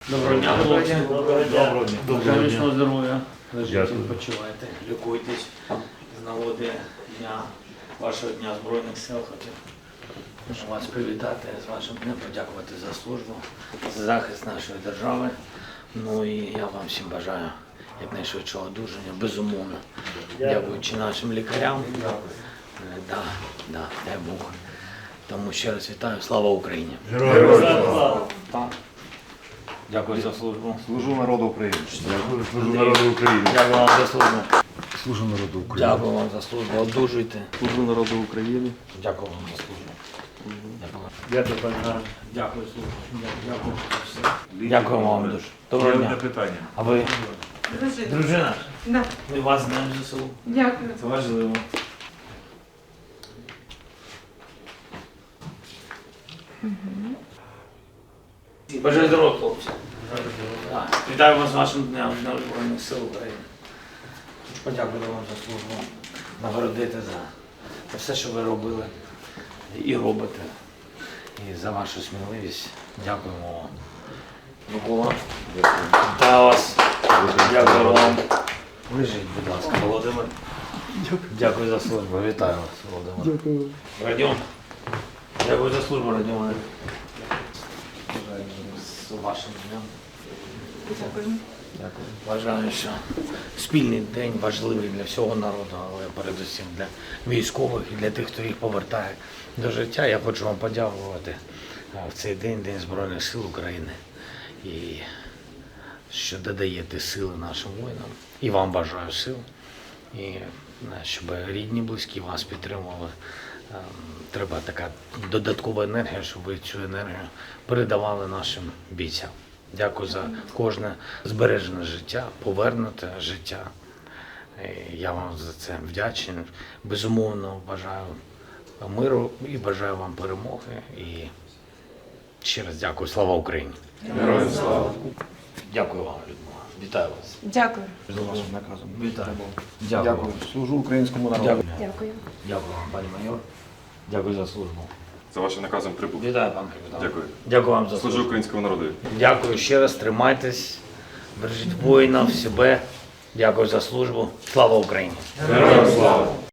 Доброго дня, хлопці. Доброго дня. Доброго Міцного здоров'я. Лежіть, Дякую. відпочивайте, лікуйтесь. З нагоди дня, вашого Дня Збройних сил хотів вас привітати з вашим днем, подякувати за службу, за захист нашої держави. Ну і я вам всім бажаю якнайшвидшого одужання, безумовно. Дякуючи нашим лікарям. Дай Бог. Тому ще раз вітаю. Слава Україні! Героям слава! Дякую за службу. Служу народу України. Дякую, служу народу України. Дякую вам за службу. Служу народу України. Дякую вам за службу. Одужуйте. Служу народу України. Дякую вам за службу. Дякую. Дякую, пане Гар. Дякую, службу. Дякую за все. Дякую вам дуже. Доброго Одне дня. питання. А ви дружина? Да. Ми вас знаємо за село. Дякую. Це важливо. Бажаю здоров'я, хлопці. Так, вітаю вас з вашим днем Збройних сил України. Хочу подякувати вам за службу, нагородити за все, що ви робили і робите. І за вашу сміливість. Дякуємо вам. Микола, вітаю вас. Дякую вам. Лежіть, будь ласка, Володимир. Дякую за службу. Вітаю вас, Володимир. Дякую. Радіон. Дякую за службу, Радіон. З вашим днем. Дякую. Дякую. Вважаю, що спільний день важливий для всього народу, але передусім для військових і для тих, хто їх повертає до життя. Я хочу вам подякувати в цей день, День Збройних сил України, і що додаєте сили нашим воїнам. І вам бажаю сил, і щоб рідні, близькі вас підтримували. Треба така додаткова енергія, щоб ви цю енергію передавали нашим бійцям. Дякую за кожне збережене життя, повернуте життя. Я вам за це вдячний. Безумовно, бажаю миру і бажаю вам перемоги. І ще раз дякую. Слава Україні! Героям слава! Дякую вам, Людмила. Вітаю вас. Дякую. За вашим наказом. Вітаю. Дякую. Дякую. Служу українському народу. Дякую. Дякую. Дякую вам, пані майор. Дякую за службу. За вашим наказом прибув. Вітаю, пан капітан. Дякую. Дякую вам за Служу службу. українському народу. Дякую ще раз, тримайтесь, бережіть воїнів, себе. Дякую за службу. Слава Україні! Героям слава!